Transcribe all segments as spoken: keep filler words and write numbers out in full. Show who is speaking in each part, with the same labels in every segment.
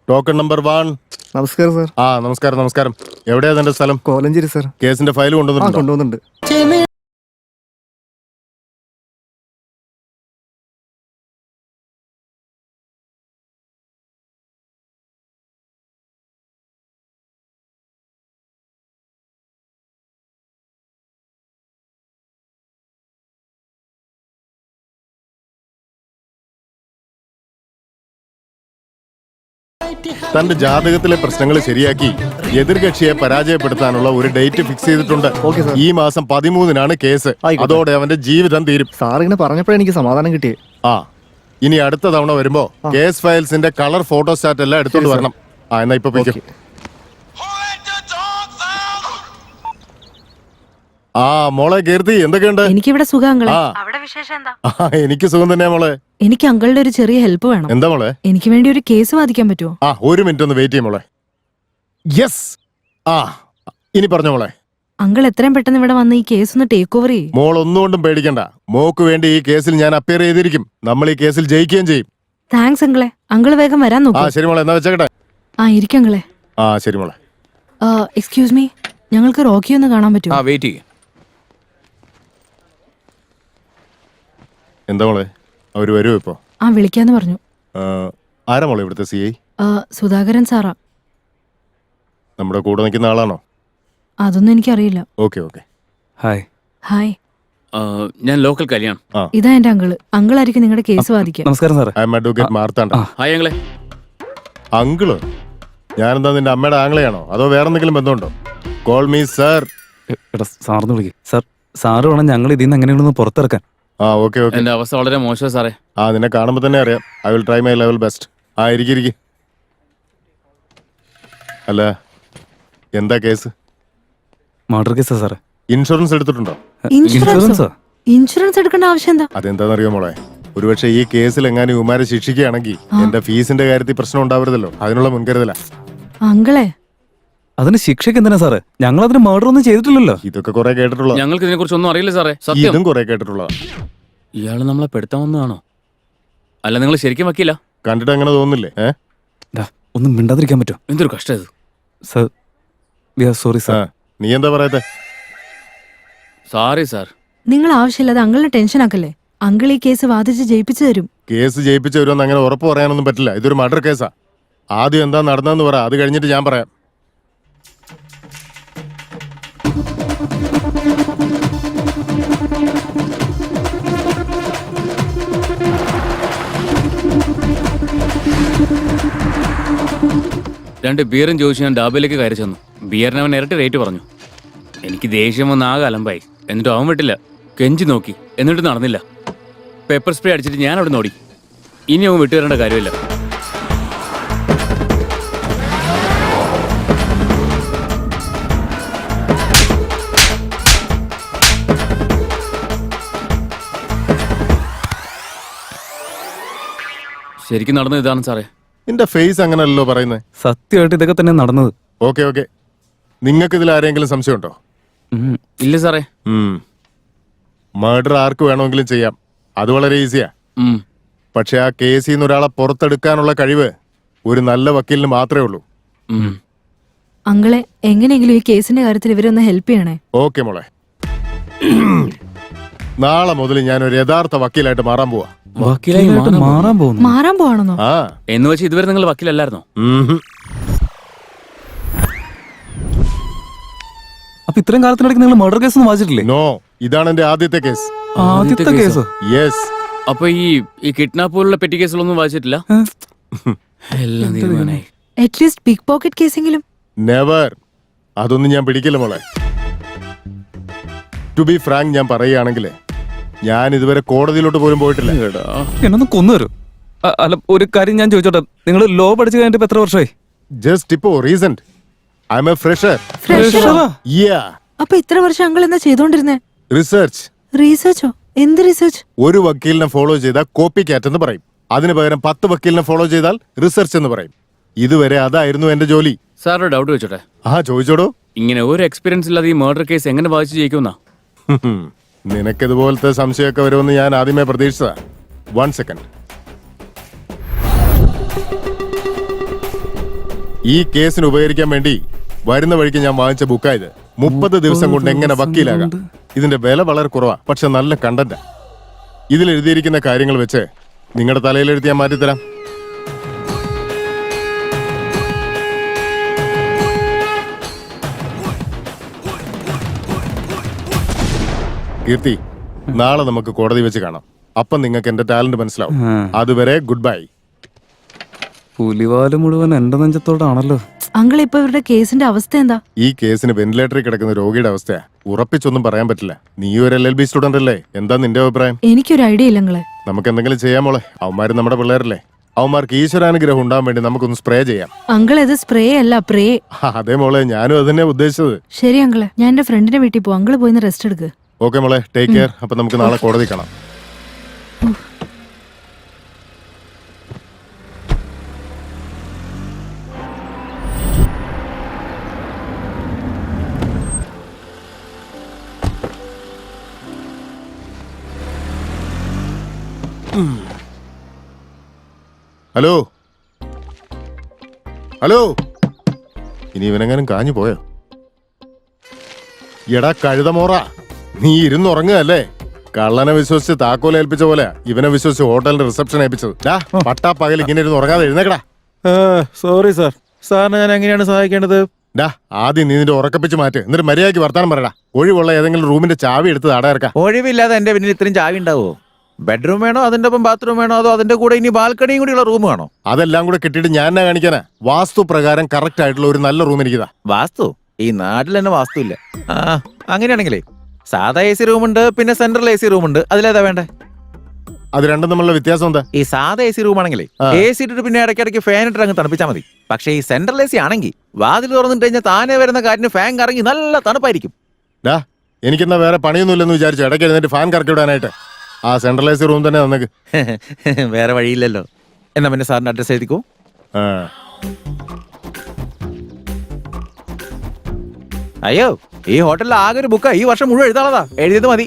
Speaker 1: Token number one.
Speaker 2: നമസ്കാരം sir.
Speaker 1: ആ നമസ്കാരം നമസ്കാരം. എവിടെയാ തന്റെ സ്ഥലം?
Speaker 2: കോലഞ്ചേരി സാർ.
Speaker 1: കേസിന്റെ ഫയൽ
Speaker 2: ആ
Speaker 1: കൊണ്ടുവന്നിട്ടുണ്ടോ?
Speaker 2: കൊണ്ടുവന്നുണ്ട്.
Speaker 1: തന്റെ ജാതകത്തിലെ പ്രശ്നങ്ങൾ ശരിയാക്കി എതിർകക്ഷിയെ പരാജയപ്പെടുത്താനുള്ള ഒരു ഡേറ്റ് ഫിക്സ് ചെയ്തിട്ടുണ്ട്.
Speaker 2: Okay sir.
Speaker 1: ഈ മാസം പതിമൂന്നിനാണ് കേസ്.
Speaker 2: ആയിക്കോട്ടെ.
Speaker 1: അതോടെ അവന്റെ ജീവിതം തീരും.
Speaker 2: സാർ ഇങ്ങനെ പറഞ്ഞപ്പോഴേ എനിക്ക് സമാധാനം കിട്ടിയേ.
Speaker 1: ആ ഇനി അടുത്ത തവണ വരുമ്പോ കേസ് ഫയൽസിന്റെ കളർ ഫോട്ടോസ്റ്റാറ്റ് എല്ലാം എടുത്തോണ്ട്
Speaker 2: ശരി,
Speaker 1: വരണം. ആ എന്നാ ഇപ്പൊ പോയിക്കോ.
Speaker 2: ഓക്കെ.
Speaker 1: ആ മോളെ കീർത്തി, എന്തൊക്കെയുണ്ട്?
Speaker 3: എനിക്കിവിടെ സുഖാങ്കളെ.
Speaker 1: ആ
Speaker 3: അവിടെ വിശേഷം എന്താ?
Speaker 1: ആ, എനിക്ക് സുഖം തന്നെയാ മോളെ.
Speaker 3: എനിക്ക് അങ്കളുടെ ഒരു ചെറിയ ഹെൽപ്പ് വേണം.
Speaker 1: എന്താ മോളെ?
Speaker 3: എനിക്ക് വേണ്ടി ഒരു കേസ് വാദിക്കാൻ പറ്റുമോ?
Speaker 1: ആ ഒരു മിനിറ്റ് ഒന്ന് വെയിറ്റ് ചെയ്യും മോളെ. യെസ്. ആ ഇനി പറഞ്ഞോ മോളെ.
Speaker 3: അങ്കിൾ എത്രയും പെട്ടെന്ന് ഇവിടെ വന്ന് ഈ കേസ് ഒന്ന് ടേക്ക് ഓവർ ചെയ്യും.
Speaker 1: മോൾ ഒന്നുകൊണ്ടും പേടിക്കണ്ട. മോക്ക് വേണ്ടി ഈ കേസിൽ ഞാൻ അപ്പിയർ ചെയ്തിരിക്കും. നമ്മൾ ഈ കേസിൽ ജയിക്കുകയും ചെയ്യും.
Speaker 3: താങ്ക്സ് അങ്കിളെ. അങ്കിൾ വേഗം വരാൻ
Speaker 1: ആ
Speaker 3: നോക്കൂ.
Speaker 1: ശരി മോളെ, എന്നാ വെച്ചേക്കട്ടെ.
Speaker 3: ആ ഇരിക്കങ്ങളെ.
Speaker 1: ആ ശരി മോളെ.
Speaker 3: എക്സ്ക്യൂസ് മീ, ഞങ്ങൾക്ക് റോക്കി ഒന്ന് കാണാൻ പറ്റുമോ?
Speaker 4: ആ വെയിറ്റ് ചെയ്യ.
Speaker 1: എന്താ മോളെ, അവര് വരുമോ ഇപ്പോ?
Speaker 3: ആ വിളിക്കാന്ന് പറഞ്ഞു.
Speaker 1: ആ, ആരാ മോളെ ഇവിടുത്തെ സി ഐ?
Speaker 3: ആ, സുധാകരൻ സാറാ.
Speaker 1: നമ്മുടെ കൂടെ നിൽക്കുന്ന ആളാണോ?
Speaker 3: അതൊന്നും എനിക്കറിയില്ല.
Speaker 1: Okay okay.
Speaker 4: ഹായ്.
Speaker 3: ഹായ്,
Speaker 4: ആ, ഞാൻ ലോക്കൽ കല്യാൺ.
Speaker 3: ഇതാ എന്റെ അങ്കിള്. അങ്കിളായിരിക്കും നിങ്ങളുടെ കേസ് വാദിക്കാൻ.
Speaker 4: നമസ്കാരം സാറേ.
Speaker 1: I'm advocate Marthanda.
Speaker 4: Hi ഞങ്ങളെ.
Speaker 1: അങ്കിള്? ഞാനെന്താ നിന്റെ അമ്മയുടെ ആംഗ്ലയാണോ അതോ വേറെ എന്തെങ്കിലും ബന്ധമുണ്ടോ? Call me sir.
Speaker 5: എടാ സാറിന് വിളിക്കും. സാർ സാറ് വേണം ഞങ്ങൾ ഇതിൽ നിന്ന് എങ്ങനെയൊന്ന് പുറത്തിറക്കാൻ.
Speaker 1: ആ ഓക്കെ ഓക്കെ.
Speaker 4: എന്റെ അവസ്ഥ വളരെ മോശം സാറേ.
Speaker 1: ആ നിന്നെ കാണുമ്പോൾ തന്നെ അറിയാം. I will try my level best. ആ ഇരിക്കിരിക്കി. അല്ല എന്താ കേസ്?
Speaker 5: മർഡർ കേസാ സാറേ.
Speaker 1: ഇൻഷുറൻസ് എടുത്തിട്ടുണ്ടോ?
Speaker 3: ഇൻഷുറൻസോ? ഇൻഷുറൻസ് എടുക്കേണ്ട ആവശ്യം എന്താ?
Speaker 1: അതെന്താണെന്നറിയോ മോളെ, ഒരുപക്ഷെ ഈ കേസിൽ എങ്ങാനും ഇവന്മാരെ ശിക്ഷിക്കുകയാണെങ്കിൽ എന്റെ ഫീസിന്റെ കാര്യത്തിൽ പ്രശ്നം ഉണ്ടാവരുതല്ലോ. അതിനുള്ള മുൻകരുതലാ.
Speaker 3: അങ്കിളെ,
Speaker 5: അതിന് ശിക്ഷയ്ക്ക് എന്തിനാ സാറേ? ഞങ്ങൾ അതിന് മർഡർ ഒന്നും ചെയ്തിട്ടില്ലല്ലോ.
Speaker 1: ഇതൊക്കെ കുറെ കേട്ടിട്ടുള്ള.
Speaker 4: ഞങ്ങൾക്ക് ഇതിനെ കുറിച്ച് ഒന്നും അറിയില്ല സാറേ. സത്യം.
Speaker 1: ഇതും കുറെ കേട്ടിട്ടുള്ള.
Speaker 4: ഇയാള് നമ്മളെ പെടുത്താൻ വന്നതാണോ? അല്ല നിങ്ങൾ ശരിക്കും വക്കീല?
Speaker 1: കണ്ടിട്ട് അങ്ങനെ തോന്നുന്നില്ലേ? ഏ
Speaker 5: ഡാ, ഒന്നും മിണ്ടാതിരിക്കാൻ പറ്റുമോ?
Speaker 4: എന്തൊരു കഷ്ടം ഇത്.
Speaker 5: സാർ വി ആർ സോറി
Speaker 1: ആ
Speaker 5: സാർ.
Speaker 1: നീ എന്താ പറയത്തെ?
Speaker 4: Sorry sir.
Speaker 3: നിങ്ങൾ ആവശ്യമില്ലാതെ അങ്കിളിനെ ടെൻഷൻ ആക്കല്ലേ. അങ്കിൾ ഈ കേസ് വാദിച്ച് ജയിപ്പിച്ചു തരും.
Speaker 1: കേസ് ജയിപ്പിച്ചു വരുമെന്ന് അങ്ങനെ ഉറപ്പ് പറയാനൊന്നും പറ്റില്ല. ഇതൊരു മർഡർ കേസാ. ആദ്യം എന്താ നടന്നതെന്ന് പറ, അത് കഴിഞ്ഞിട്ട് ഞാൻ പറയാം.
Speaker 4: രണ്ട് ബിയറും ചോദിച്ചു ഞാൻ ഡാബയിലേക്ക് കയറി ചെന്നു. ബിയറിന് അവൻ ഇരട്ടി റേറ്റ് പറഞ്ഞു. എനിക്ക് ദേഷ്യം വന്ന് ആകെ അലമ്പായി. എന്നിട്ട് അവൻ വിട്ടില്ല. കെഞ്ചി നോക്കി, എന്നിട്ട് നടന്നില്ല. പെപ്പർ സ്പ്രേ അടിച്ചിട്ട് ഞാൻ അവിടെ നോടി. ഇനി അവൻ വിട്ടുതരേണ്ട കാര്യമില്ല. ശരിക്കും നടന്നത് ഇതാണ് സാറേ.
Speaker 1: നിന്റെ ഫേസ് അങ്ങനല്ലോ പറയുന്നത്.
Speaker 5: സത്യമായിട്ട് ഇതൊക്കെ തന്നെ നടന്നത്.
Speaker 1: Okay okay. നിങ്ങൾക്ക് ഇതിൽ ആരെങ്കിലും സംശയമുണ്ടോ?
Speaker 5: ഉം.
Speaker 4: ഇല്ല സാറേ.
Speaker 1: മർഡർ ആർക്ക് വേണമെങ്കിലും ചെയ്യാം. അത് വളരെ ഈസിയാ.
Speaker 4: ഉം.
Speaker 1: പക്ഷെ ആ കേസിൽ നിന്ന് ഒരാളെ പുറത്തെടുക്കാനുള്ള കഴിവ് ഒരു നല്ല വക്കീലിന് മാത്രമേ ഉള്ളൂ.
Speaker 4: ഉം.
Speaker 3: അങ്കിളെ, എങ്ങനെയെങ്കിലും ഈ കേസിന്റെ കാര്യത്തിൽ ഇവരൊന്ന് ഹെൽപ്പ് ചെയ്യണേ.
Speaker 1: ഓക്കെ മോളെ. നാളെ മുതൽ ഞാൻ ഒരു യഥാർത്ഥ വക്കീലായിട്ട് മാറാൻ പോവാ.
Speaker 4: വക്കീലായി
Speaker 5: വക്കീലായിട്ട്
Speaker 4: മാറാൻ
Speaker 5: മാറാൻ പോകുന്നു.
Speaker 3: മാറാൻ പോവാണെന്നോ?
Speaker 1: ആ
Speaker 4: എന്ന് വെച്ച് ഇതുവരെ നിങ്ങൾ വക്കീലല്ലായിരുന്നോ?
Speaker 1: ഉം.
Speaker 5: അപ്പൊ ഇത്രയും കാലത്തിനിടയ്ക്ക് നിങ്ങൾ മർഡർ കേസ് ഒന്നും വായിച്ചിട്ടില്ലേ?
Speaker 1: നോ, ഇതാണ് എന്റെ ആദ്യത്തെ കേസ്.
Speaker 5: ആദ്യത്തെ കേസ്.
Speaker 1: യെസ്.
Speaker 4: അപ്പൊ ഈ ഈ കിഡ്നാപ്പ് പോലുള്ള പെറ്റി കേസുകളൊന്നും വായിച്ചിട്ടില്ല? എല്ലാം തീരുമാനായി.
Speaker 3: അറ്റ്ലീസ്റ്റ് പിക് പോക്കറ്റ് കേസെങ്കിലും.
Speaker 1: നെവർ. അതൊന്നും ഞാൻ പിടിക്കില്ല മോളെ. ടു ബി ഫ്രാങ്ക്, ഞാൻ പറയുകയാണെങ്കിൽ ഞാൻ ഇതുവരെ കോടതിയിലോട്ട് പോലും പോയിട്ടില്ല.
Speaker 5: എന്നൊന്ന് കൊന്നുവരും. അല്ല, ഒരു കാര്യം ഞാൻ ചോദിച്ചോട്ടെ, നിങ്ങൾ ലോ പഠിച്ചു കഴിഞ്ഞിട്ട് ഇപ്പൊ എത്ര വർഷമായി?
Speaker 1: ജസ്റ്റ് ഇപ്പോ recent. I'm a fresher.
Speaker 5: ഫ്രഷറാ?
Speaker 1: യാ.
Speaker 3: അപ്പൊ ഇത്ര വർഷം അങ്കിൾ എന്താ ചെയ്തോണ്ടിരുന്നേ?
Speaker 1: റിസർച്ച്.
Speaker 3: റീസെർച്ചോ? എന്ത് റിസർച്ച്?
Speaker 1: ഒരു വക്കീലിനെ ഫോളോ ചെയ്താൽ കോപ്പി കാറ്റ് എന്ന് പറയും. അതിന് പകരം പത്ത് വക്കീലിനെ ഫോളോ ചെയ്താൽ റിസർച്ച് എന്ന് പറയും. ഇതുവരെ അതായിരുന്നു എന്റെ ജോലി.
Speaker 4: സാറൊരു ഡൗട്ട് വെച്ചോട്ടെ?
Speaker 1: ആ ചോദിച്ചോടോ.
Speaker 4: ഇങ്ങനെ ഒരു എക്സ്പീരിയൻസ് ഇല്ലാതെ ഈ മർഡർ കേസ് എങ്ങനെ വായിച്ചു ജയിക്കുമെന്നാ?
Speaker 1: നിനക്കിതുപോലത്തെ സംശയമൊക്കെ വരുമെന്ന് ഞാൻ ആദ്യമേ പ്രതീക്ഷിച്ചതാ. One second. ഈ കേസിന് ഉപകരിക്കാൻ വേണ്ടി വരുന്ന വഴിക്ക് ഞാൻ വാങ്ങിച്ച ബുക്കായത്. മുപ്പത് ദിവസം കൊണ്ട് എങ്ങനെ വക്കീലാകാം. ഇതിന്റെ വില വളരെ കുറവാ, പക്ഷെ നല്ല കണ്ടന്റാ. ഇതിൽ എഴുതിയിരിക്കുന്ന കാര്യങ്ങൾ വെച്ച് നിങ്ങളുടെ തലയിലെഴുതി ഞാൻ മാറ്റിത്തരാം. കീർത്തി, നാളെ നമുക്ക് കോടതി വെച്ച് കാണാം. അപ്പം നിങ്ങൾക്ക് എന്റെ ടാലന്റ് മനസ്സിലാവും. അതുവരെ ഗുഡ് ബൈ.
Speaker 5: പുലിവാല് മുഴുവൻ എന്റെ നെഞ്ചത്തോടാണല്ലോ.
Speaker 3: അങ്കിൾ ഇപ്പൊ ഇവരുടെ കേസിന്റെ അവസ്ഥ എന്താ?
Speaker 1: ഈ കേസിന് വെന്റിലേറ്ററിൽ കിടക്കുന്ന രോഗിയുടെ അവസ്ഥയാ. ഉറപ്പിച്ചൊന്നും പറയാൻ പറ്റില്ല. നീ ഒരു എൽ എൽ ബി സ്റ്റുഡന്റ് അല്ലേ? എന്താ നിന്റെ അഭിപ്രായം?
Speaker 3: എനിക്കൊരു ഐഡിയ ഇല്ല നിങ്ങളെ.
Speaker 1: നമുക്ക് എന്തെങ്കിലും ചെയ്യാൻ മോളെ. അവന്മാര് നമ്മുടെ പിള്ളേരല്ലേ. അവന്മാർക്ക് ഈശ്വരാനുഗ്രഹം ഉണ്ടാവാൻ വേണ്ടി നമുക്കൊന്ന് സ്പ്രേ ചെയ്യാം.
Speaker 3: അങ്കിൾ ഇത് സ്പ്രേ അല്ല, പ്രേ.
Speaker 1: അതേ മോളെ, ഞാനും അത് തന്നെ ഉദ്ദേശിച്ചത്.
Speaker 3: ശരി അങ്കിള്, ഞാൻ എന്റെ ഫ്രണ്ടിന്റെ വീട്ടിൽ പോകും. അങ്കിള് പോയിന്ന് റെസ്റ്റ് എടുക്ക്.
Speaker 1: ഓക്കെ മോളെ, ടേക്ക് കെയർ. അപ്പൊ നമുക്ക് നാളെ കോടതി കാണാം. ഹലോ ഹലോ, ഇനി ഇവനെങ്ങാനും കാഞ്ഞു പോയോ? എടാ കഴുതമോറ, നീ ഇരുന്നുറങ്ങുകയല്ലേ? കള്ളനെ വിശ്വസിച്ച് താക്കോൽ ഏൽപ്പിച്ച പോലെ ഇവനെ വിശ്വസിച്ച് ഹോട്ടലിന്റെ റിസപ്ഷൻ ഏൽപ്പിച്ചത്. പട്ടാ പകൽ ഇങ്ങനെ ഇരുന്ന് ഉറങ്ങാതെ എഴുന്നേക്കടാ.
Speaker 6: സോറി സാർ, സാറിനെ ഞാൻ എങ്ങനെയാണ് സഹായിക്കേണ്ടത്?
Speaker 1: ഡാ, ആദ്യം നീ നിന്റെ ഉറക്കപ്പിച്ച് മാറ്റ്. എന്നിട്ട് മര്യാദയ്ക്ക് വർത്താനം പറയടാ. ഒഴിവുള്ള ഏതെങ്കിലും റൂമിന്റെ ചാവി എടുത്ത് അടയറക്കാം.
Speaker 6: ഒഴിവില്ലാതെ എന്റെ പിന്നിൽ ഇത്രയും ചാവി ഉണ്ടാവോ? ബെഡ്റൂം വേണോ, അതിന്റെ ഒപ്പം ബാത്റൂം വേണോ, അതോ അതിന്റെ കൂടെ ഇനി ബാൽക്കണിയും കൂടിയുള്ള റൂം വേണോ?
Speaker 1: അതെല്ലാം കൂടെ കിട്ടിയിട്ട് ഞാൻ എന്നാ കാണിക്കാനാ? വാസ്തു പ്രകാരം കറക്റ്റ് ആയിട്ടുള്ള ഒരു നല്ല റൂം എനിക്കിതാ.
Speaker 6: വാസ്തു? ഈ നാട്ടിൽ തന്നെ വാസ്തു ഇല്ല. ആ അങ്ങനെയാണെങ്കിലേ സാധാ എ സി റൂമുണ്ട്, പിന്നെ സെൻട്രൽ എ സി റൂമുണ്ട്. അതിലേതാ വേണ്ടേ?
Speaker 1: അത് രണ്ടും തമ്മിലുള്ള വ്യത്യാസം എന്താ?
Speaker 6: ഈ സാധാ എ സി റൂം ആണെങ്കിലേ എ സി ഇട്ടിട്ട് പിന്നെ ഇടയ്ക്കിടയ്ക്ക് ഫാൻ ഇട്ട് അങ്ങ് തണുപ്പിച്ചാൽ മതി. പക്ഷേ ഈ സെൻട്രൽ എ സി ആണെങ്കിൽ വാതിൽ തുറന്നിട്ട് കഴിഞ്ഞാൽ താനെ വരുന്ന കാറ്റിന് ഫാൻ കറങ്ങി നല്ല തണുപ്പായിരിക്കും.
Speaker 1: ഡാ, എനിക്കെന്നാ വേറെ പണിയൊന്നുമില്ലെന്ന് വിചാരിച്ചു ഇടയ്ക്ക് എഴുന്നേറ്റ് ഫാൻ കറക്കി വിടാനായിട്ട്. ആ സെൻട്രൽ എ സി റൂം തന്നെ തന്നേക്ക്.
Speaker 6: വേറെ വഴിയില്ലല്ലോ. എന്നാ പിന്നെ സാറിന്റെ അഡ്രസ് എഴുതിക്കോ.
Speaker 1: ആ,
Speaker 6: അയ്യോ, ഈ ഹോട്ടലിൽ ആകെ ഒരു ബുക്കാ. ഈ വർഷം മുഴുവൻ എഴുതാളതാ. എഴുതിയത് മതി.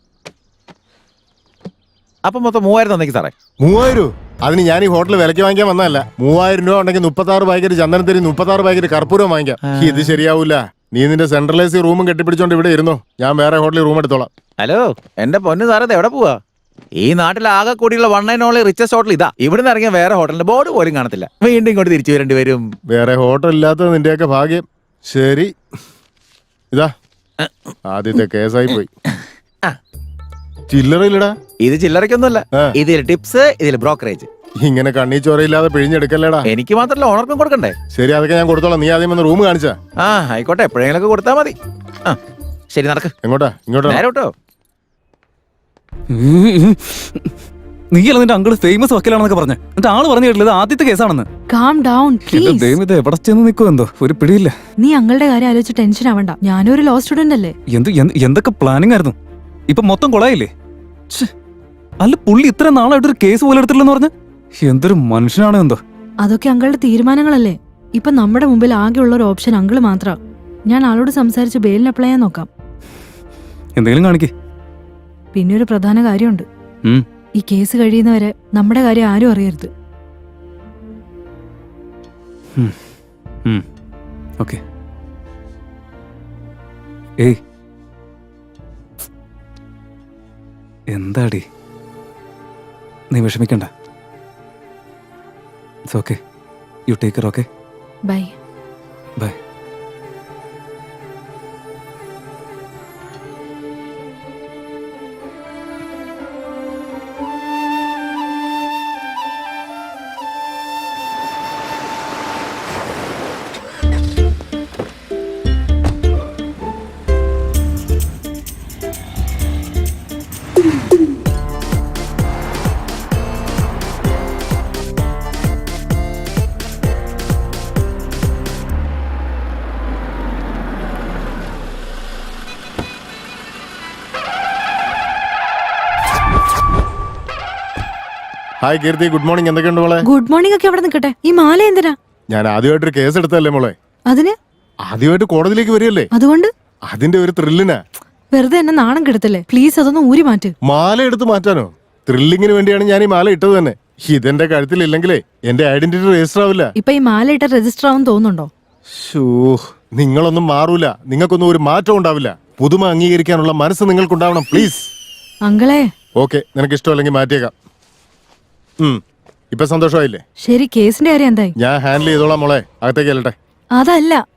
Speaker 6: അപ്പൊ മൊത്തം മൂവായിരം തന്നേക്ക് സാറേ.
Speaker 1: മൂവായിരം? അതിന് ഞാൻ ഈ ഹോട്ടൽ വിലക്ക് വാങ്ങിക്കാൻ വന്നതല്ല. മൂവായിരം രൂപ ഉണ്ടെങ്കിൽ മുപ്പത്തി ആറ് പാക്കറ്റ് ചന്ദനത്തിരി, മുപ്പത്തി ആറ് പാക്കറ്റ് കർപ്പൂരം വാങ്ങിക്കാം. ഇത് ശരിയാവൂല. നീ നിന്റെ സെൻട്രൽ എ സി റൂമും കെട്ടിപ്പിടിച്ചോണ്ട് ഇവിടെ ഇരുന്നോ. ഞാൻ വേറെ ഹോട്ടലിൽ റൂം എടുത്തോളാം.
Speaker 6: ഹലോ, എന്റെ പൊന്നു സാറേ, എവിടെ പോവാ? ഈ നാട്ടിൽ ആകെ കൂടിയുള്ള one and only richest hotel ഇതാ. ഇവിടുന്ന് ഇറങ്ങിയ വേറെ ഹോട്ടലിന്റെ ബോർഡ് പോലും കാണത്തില്ല. വീണ്ടും ഇങ്ങോട്ട് തിരിച്ചു വരേണ്ടി വരും.
Speaker 1: വേറെ ഹോട്ടൽ ഇല്ലാത്തത് നിന്റെയൊക്കെ ഭാഗ്യം. ശരി, ഇതാ ആദ്യത്തെ കേസായി പോയി. ചില്ലറയില്ലടാ.
Speaker 6: ഇത് ചില്ലറയ്ക്കൊന്നുമല്ല. ഇതിൽ ടിപ്സ്, ഇതിൽ ബ്രോക്കറേജ്.
Speaker 1: ഇങ്ങനെ കണ്ണീ ചോരയില്ലാതെ പിഴിഞ്ഞെടുക്കല്ലേടാ.
Speaker 6: എനിക്ക് മാത്രമല്ല, ഓണർക്കും കൊടുക്കണ്ടേ?
Speaker 1: ശരി, അതൊക്കെ ഞാൻ കൊടുത്തോളാം. നീ ആദ്യം വന്ന് റൂം കാണിച്ചാ.
Speaker 6: ആ ആയിക്കോട്ടെ, എപ്പോഴെങ്കിലും കൊടുത്താൽ മതി. ആ ശരി, നടക്ക്.
Speaker 1: എങ്ങോട്ടാ? ഇങ്ങോട്ടാ.
Speaker 6: നേരോട്ടോ.
Speaker 5: നീയല്ല നിന്റെ അങ്കിള് ഫേമസ് വക്കീലാണെന്നൊക്കെ പറഞ്ഞ്. എന്നിട്ട് ആള് പറഞ്ഞു കേട്ടില്ല ആദ്യത്തെ കേസാണെന്ന്.
Speaker 3: കാം ഡൗൺ
Speaker 5: എന്റെ
Speaker 3: പ്ലീസ്.
Speaker 5: ദൈവം, ഇത് എവിടെ ചെന്ന് നിൽക്കുമോ എന്തോ ഒരു പിടിയില്ല.
Speaker 3: നീ അങ്ങളുടെ കാര്യം ആലോചിച്ച് ടെൻഷൻ ആവണ്ട. ഞാനൊരു ലോ സ്റ്റുഡന്റ് അല്ലേ.
Speaker 5: എന്ത് എന്ത്- എന്തൊക്കെ പ്ലാനിങ് ആയിരുന്നു. ഇപ്പൊ മൊത്തം കൊളായില്ലേ? ഛെ, അല്ല പുള്ളി ഇത്ര നാളായിട്ടൊരു കേസ് പോലെ എടുത്തില്ലെന്ന് പറഞ്ഞ് എന്തൊരു മനുഷ്യനാണ് എന്തോ.
Speaker 3: അതൊക്കെ അങ്കളുടെ തീരുമാനങ്ങളല്ലേ. ഇപ്പൊ നമ്മുടെ മുമ്പിൽ ആകെയുള്ള ഒരു ഓപ്ഷൻ അങ്കിള് മാത്രം. ഞാൻ ആളോട് സംസാരിച്ച് ബെയിലിന് അപ്ലൈ ചെയ്യാൻ നോക്കാം.
Speaker 5: എന്തെങ്കിലും കാണിക്കേ.
Speaker 3: പിന്നെ ഒരു പ്രധാന കാര്യമുണ്ട്.
Speaker 5: ഉം.
Speaker 3: ഈ കേസ് കഴിയുന്നവരെ നമ്മുടെ കാര്യം ആരും അറിയരുത്.
Speaker 5: ഓക്കെ. ഏയ് എന്താടി, നീ വിഷമിക്കണ്ട. It's okay. You take care. Okay,
Speaker 3: bye.
Speaker 5: Bye.
Speaker 1: Hi Keerthi, good morning. എന്തൊക്കെയുണ്ട് മോളെ?
Speaker 3: ഗുഡ് മോർണിംഗ് ഒക്കെ അവിടെ നിൽക്കട്ടെ. ഈ മാല എന്തിനാ?
Speaker 1: ഞാൻ ആദ്യമായിട്ടൊരു കേസ് എടുത്തല്ലേ മോളെ.
Speaker 3: അതിന്
Speaker 1: ആദ്യമായിട്ട് കോടതിയിലേക്ക് വരികയല്ലേ,
Speaker 3: അതുകൊണ്ട്
Speaker 1: അതിന്റെ ഒരു ത്രില്ലിനാ.
Speaker 3: വെറുതെ എന്നെ നാണം കെടുത്തല്ലേ. പ്ലീസ് അതൊന്ന് ഊരി മാറ്റ്.
Speaker 1: മാല എടുത്ത് മാറ്റാനോ? ത്രില്ലിങ്ങിന് വേണ്ടിയാണ് ഞാൻ ഈ മാല ഇട്ടത് തന്നെ. ഇതെന്റെ കഴുത്തിലില്ലെങ്കിലേ എന്റെ ഐഡന്റിറ്റി രജിസ്റ്റർ ആവില്ല.
Speaker 3: ഇപ്പൊ ഈ മാലയിട്ട രജിസ്റ്റർ ആവും തോന്നുന്നുണ്ടോ?
Speaker 1: ഷൂ, നിങ്ങളൊന്നും മാറൂല. നിങ്ങൾക്കൊന്നും ഒരു മാറ്റം ഉണ്ടാവില്ല. പുതുമ അംഗീകരിക്കാനുള്ള മനസ്സ് നിങ്ങൾക്കുണ്ടാവണം പ്ലീസ്.
Speaker 3: അങ്കിളെ
Speaker 1: ഓക്കെ, നിനക്ക് ഇഷ്ടമല്ലെങ്കിൽ മാറ്റിയേക്കാം. ഉം ഇപ്പൊ സന്തോഷമായില്ലേ?
Speaker 3: ശരി, കേസിന്റെ കാര്യം എന്തായി?
Speaker 1: ഞാൻ ഹാൻഡിൽ ചെയ്തോളാം മോളെ. അകത്തേക്ക് ചെല്ലട്ടെ.
Speaker 3: അതല്ല,